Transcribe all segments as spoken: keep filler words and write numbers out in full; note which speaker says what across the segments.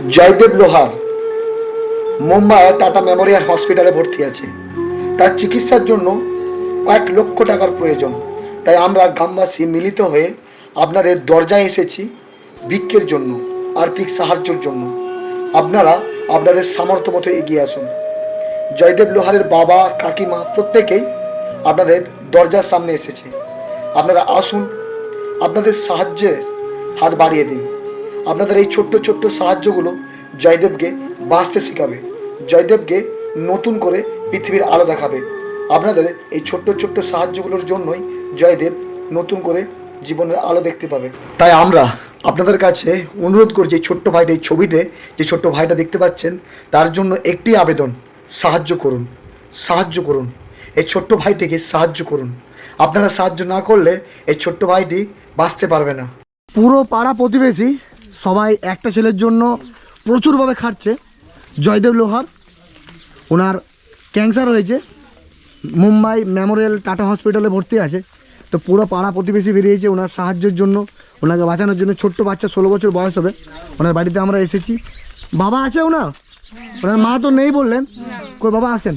Speaker 1: জয়দেব লোহার মুম্বাইয়ের tata Memorial হসপিটালে ভর্তি আছে। তার চিকিৎসার জন্য কয়েক লক্ষ টাকার প্রয়োজন। তাই আমরা গ্রামবাসী মিলিত হয়ে আপনাদের দরজায় এসেছি ভিক্ষের জন্য, আর্থিক সাহায্যের জন্য। আপনারা আপনাদের সামর্থ্য মতো এগিয়ে আসুন। জয়দেব লোহারের বাবা, কাকিমা প্রত্যেকেই আপনাদের দরজার সামনে এসেছে। আপনারা আসুন, আপনাদের সাহায্যের হাত বাড়িয়ে দিন। আপনাদের এই ছোট্ট ছোট্ট সাহায্যগুলো জয়দেবকে বাঁচতে শেখাবে, জয়দেবকে নতুন করে পৃথিবীর আলো দেখাবে। আপনাদের এই ছোট্ট ছোট্ট সাহায্যগুলোর জন্যই জয়দেব নতুন করে জীবনের আলো দেখতে পাবে। তাই আমরা আপনাদের কাছে অনুরোধ করছি, এই ছোট্ট ভাইটা, এই ছবিতে যে ছোট্ট ভাইটা দেখতে পাচ্ছেন, তার জন্য একটি আবেদন, সাহায্য করুন, সাহায্য করুন। এই ছোট্ট ভাইটিকে সাহায্য করুন। আপনারা সাহায্য না করলে এই ছোট্ট ভাইটি বাঁচতে পারবে না। পুরো পাড়া প্রতিবেশী সবাই একটা ছেলের জন্য প্রচুরভাবে খাটছে। জয়দেব লোহার, ওনার ক্যান্সার হয়েছে, মুম্বাই মেমোরিয়াল টাটা হসপিটালে ভর্তি আছে। তো পুরো পাড়া প্রতিবেশী বেরিয়েছে ওনার সাহায্যের জন্য, ওনাকে বাঁচানোর জন্য। ছোট্ট বাচ্চা, ষোলো বছর বয়স হবে। ওনার বাড়িতে আমরা এসেছি। বাবা আছে ওনার, ওনার মা তো নেই বললেন। কই বাবা, আসেন।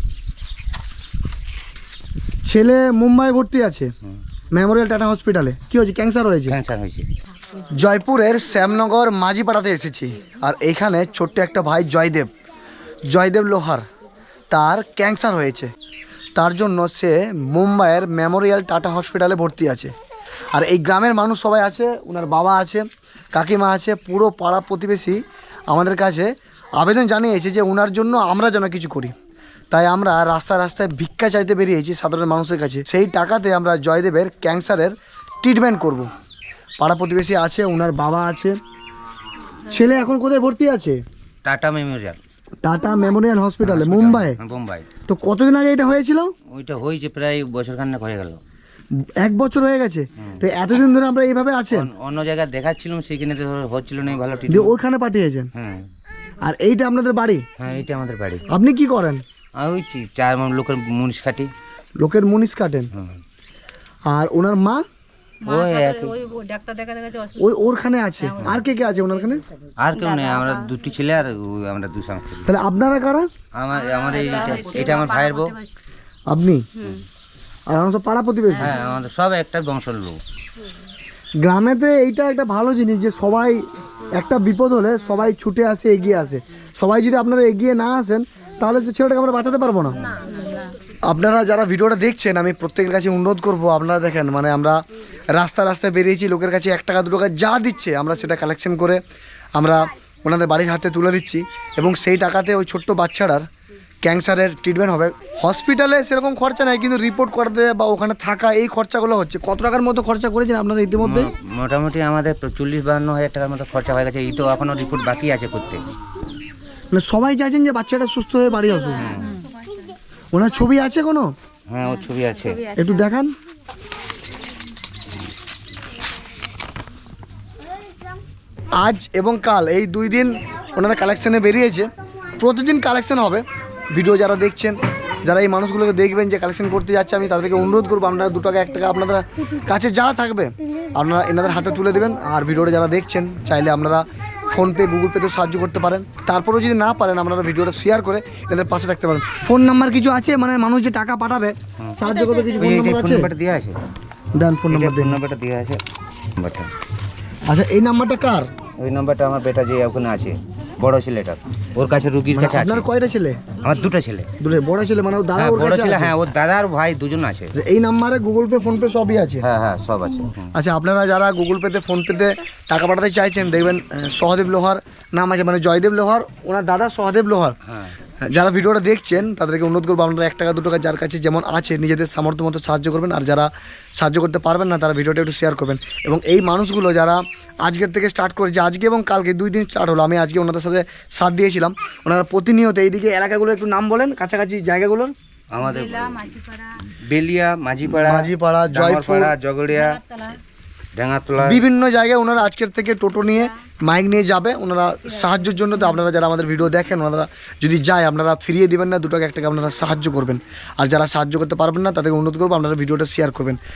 Speaker 1: ছেলে মুম্বাই ভর্তি আছে মেমোরিয়াল টাটা হসপিটালে। কি হয়েছে? ক্যান্সার হয়েছে।
Speaker 2: ক্যান্সার হয়েছে।
Speaker 1: জয়পুরের শ্যামনগর মাঝিপাড়াতে এসেছি। আর এইখানে ছোট্ট একটা ভাই জয়দেব, জয়দেব লোহার, তার ক্যান্সার হয়েছে। তার জন্য সে মুম্বাইয়ের মেমোরিয়াল টাটা হসপিটালে ভর্তি আছে। আর এই গ্রামের মানুষ সবাই আছে, ওনার বাবা আছে, কাকিমা আছে। পুরো পাড়া প্রতিবেশী আমাদের কাছে আবেদন জানিয়েছে যে ওনার জন্য আমরা যেন কিছু করি। তাই আমরা রাস্তায় রাস্তায় ভিক্ষা চাইতে বেরিয়েছি সাধারণ মানুষের কাছে। সেই টাকাতে আমরা জয়দেবের ক্যান্সারের ট্রিটমেন্ট করব। পাড়া প্রতিবেশী আছে, ওনার বাবা আছে। ছেলে এখন কোথায় ভর্তি আছে?
Speaker 2: টাটা মেমোরিয়াল,
Speaker 1: টাটা মেমোরিয়াল হসপিটালে মুম্বাই।
Speaker 2: মুম্বাই।
Speaker 1: তো কতদিন আগে এটা হয়েছিল?
Speaker 2: ওইটা হয়েছে প্রায় বছর খানেক হয়ে গেল।
Speaker 1: এক বছর হয়ে গেছে। তো এতদিন ধরে আমরা এইভাবে আছেন?
Speaker 2: অন্য জায়গায় দেখাচ্ছিলাম, সেইখানে তো হচ্ছিল না ভালো
Speaker 1: দিয়ে
Speaker 2: ট্রিটমেন্ট।
Speaker 1: ওইখানে পাঠিয়েছেন?
Speaker 2: হ্যাঁ।
Speaker 1: আর এইটা আপনাদের বাড়ি?
Speaker 2: হ্যাঁ, এইটা আমাদের বাড়ি।
Speaker 1: আপনি কি করেন?
Speaker 2: আর ওই চি- চার মান লোকের মুনিশ খাটি।
Speaker 1: লোকের মুনিশ কাটেন।
Speaker 2: হুম।
Speaker 1: আর ওনার মা
Speaker 2: ওই একই।
Speaker 1: ওই ওরখানে আছে। আর কে কে আছে ওনারখানে?
Speaker 2: আর কেউ নেই, আমরা দুটি ছেলে আর ওই আমরা দু স্বামী স্ত্রী।
Speaker 1: তাহলে আপনারা কারা?
Speaker 2: আমার আমার এইটা এটা আমার ভাইয়ের বউ।
Speaker 1: আপনি? আর আমার সব পাড়া প্রতিবেশী।
Speaker 2: হ্যাঁ, আমাদের সব একটা বংশের লোক।
Speaker 1: গ্রামেতে এইটা একটা ভালো জিনিস যে সবাই একটা বিপদ হলে সবাই ছুটে আসে, এগিয়ে আসে। সবাই যদি আপনারা এগিয়ে না আসেন তাহলে তো ছেলেটাকে আমরা বাঁচাতে পারবো না। আপনারা যারা ভিডিওটা দেখছেন, আমি প্রত্যেকের কাছে অনুরোধ করব, আপনারা দেখেন, মানে আমরা রাস্তা রাস্তায় বেরিয়েছি, লোকের কাছে এক টাকা দু টাকা যা দিচ্ছে আমরা সেটা কালেকশন করে আমরা ওনাদের বাড়ির হাতে তুলে দিচ্ছি। এবং সেই টাকাতে ওই ছোট্ট বাচ্চাটার ক্যান্সারের ট্রিটমেন্ট হবে। হসপিটালে সেরকম খরচা নাই, কিন্তু রিপোর্ট করতে বা ওখানে থাকা এই খরচাগুলো হচ্ছে। কত টাকার মতো খরচা করেছেন আপনারা ইতিমধ্যে?
Speaker 2: মো- মোটামুটি আমাদের চল্লিশ বাহান্ন হাজার টাকার মতো খরচা হয়ে গেছে। এই তো এখনো রিপোর্ট বাকি আছে করতে।
Speaker 1: মানে সবাই চাইছেন যে বাচ্চাটা সুস্থ হয়ে বাড়ি আসুক। ওনার ছবি আছে কোনো?
Speaker 2: হ্যাঁ, ওর ছবি আছে।
Speaker 1: একটু দেখান। আজ এবং কাল এই দুই দিন ওনারা কালেকশানে বেরিয়েছে। প্রতিদিন কালেকশান হবে। ভিডিও যারা দেখছেন, যারা এই মানুষগুলোকে দেখবেন যে কালেকশন করতে যাচ্ছে, আমি তাদেরকে অনুরোধ করবো আপনারা দু টাকা এক টাকা আপনাদের কাছে যা থাকবে আপনারা এনাদের হাতে তুলে দেবেন। আর ভিডিওটা যারা দেখছেন চাইলে আপনারা ফোনপে, গুগল পেতেও সাহায্য করতে পারেন। তারপরেও যদি না পারেন আপনারা ভিডিওটা শেয়ার করে এনাদের পাশে থাকতে পারেন। ফোন নাম্বার কিছু আছে, মানে মানুষ যে টাকা পাঠাবে সাহায্য করবে, কিছু ফোন নাম্বার
Speaker 2: ফোন
Speaker 1: আছে?
Speaker 2: নাম্বারটা দেওয়া আছে।
Speaker 1: দেন ফোন নাম্বার
Speaker 2: ফোন
Speaker 1: দেন।
Speaker 2: নাম্বারটা দেওয়া আছে। নাম্বারটা
Speaker 1: আচ্ছা, এই নাম্বারটা কার?
Speaker 2: ওই নাম্বারটা আমার বেটা যে ওখানে আছে, বড় ছেলেটা, ওর কাছে রুগীর কাছে আছে।
Speaker 1: আপনার কয়টা ছেলে?
Speaker 2: আমার দুটো ছেলে।
Speaker 1: দুটো? বড় ছেলে মানে ওর দাদা
Speaker 2: হ্যাঁ,
Speaker 1: ওর
Speaker 2: বড়
Speaker 1: কাছে
Speaker 2: ছেলে।
Speaker 1: আছে?
Speaker 2: হ্যাঁ, ওর দাদা আর ভাই দুজন আছে।
Speaker 1: এই নাম্বারে গুগল পে, ফোন পে সবই আছে?
Speaker 2: হ্যাঁ হ্যাঁ, সব আছে। হুম।
Speaker 1: আচ্ছা, আপনারা যারা গুগল পেতে, ফোন পেতে টাকা পাঠাতে চাইছেন, দেখবেন আহ, সহদেব লোহার নাম আছে, মানে জয়দেব লোহার, ওনার দাদা সহদেব লোহার।
Speaker 2: হ্যাঁ।
Speaker 1: যারা ভিডিওটা দেখছেন তাদেরকে অনুরোধ করবো আপনারা এক টাকা দু টাকা যার কাছে যেমন আছে নিজেদের সামর্থ্য মতো সাহায্য করবেন। আর যারা সাহায্য করতে পারবেন না তারা ভিডিওটা একটু শেয়ার করবেন। এবং এই মানুষগুলো যারা আজকের থেকে স্টার্ট করেছে, আজকে এবং কালকে দুই দিন স্টার্ট হলো, আমি আজকে ওনাদের সাথে সাথ দিয়েছিলাম। ওনারা প্রতিনিয়ত এইদিকে এলাকাগুলো একটু নাম বলেন, কাছাকাছি জায়গাগুলোর।
Speaker 2: আমাদের বেলিয়া, মাঝিপাড়া,
Speaker 1: মাঝিপাড়া, জয়পুর,
Speaker 2: জগড়িয়া, ডাঙ্গাতলা,
Speaker 1: বিভিন্ন জায়গায় ওনারা আজকের থেকে টোটো নিয়ে, মাইক নিয়ে যাবে ওনারা সাহায্যের জন্য। তো আপনারা যারা আমাদের ভিডিও দেখেন, ওনারা যদি যায় আপনারা ফিরিয়ে দিবেন না, দু টাকা এক টাকা আপনারা সাহায্য করবেন। আর যারা সাহায্য করতে পারবেন না তাদেরকে অনুরোধ করবো আপনারা ভিডিওটা শেয়ার করবেন।